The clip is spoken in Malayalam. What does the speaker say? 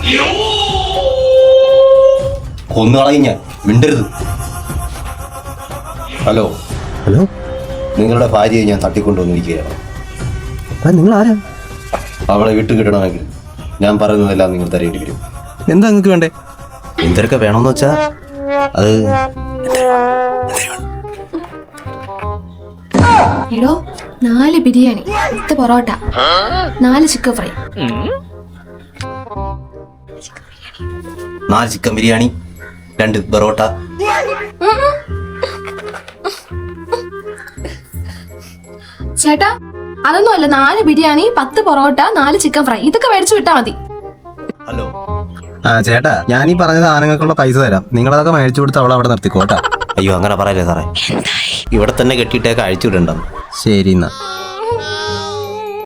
കൊന്നുകളയും ഞാൻ, മിണ്ടരുത്. ഹലോ ഹലോ, നിങ്ങളുടെ ഭാര്യയെ ഞാൻ തട്ടിക്കൊണ്ടുവന്നിരിക്കുകയാണ്. നിങ്ങൾ ആരാ? അവളെ വിട്ടു കിട്ടണമെങ്കിൽ ഞാൻ പറയുന്നതെല്ലാം നിങ്ങൾ തരേണ്ടി വരും. എന്താ നിങ്ങൾക്ക് വേണ്ടേ? എന്തൊക്കെ വേണമെന്ന് വെച്ചാ അത് എടോ, 4 biryani, 10 parotta, 4 chicken fry. 4 chicken biryani, 2 parotta. ചേട്ടാ, അതൊന്നും അല്ല. 4 ബിരിയാണി, 10 പൊറോട്ട, 4 ചിക്കൻ ഫ്രൈ. ഇതൊക്കെ മേടിച്ചു വിട്ടാ മതി. ഹലോ ചേട്ടാ, ഞാൻ ഈ പറഞ്ഞ സാധനങ്ങൾക്കുള്ള പൈസ തരാം. നിങ്ങളതൊക്കെ മേടിച്ചു കൊടുത്ത് അവളെ അവിടെ നിർത്തിക്കോട്ടാ. അയ്യോ, അങ്ങനെ പറയല്ലേ സാറേ. ഇവിടെ തന്നെ കെട്ടിയിട്ടേക്ക് അഴിച്ചു വിടണ്ടെന്ന്. ശരി എന്നാ.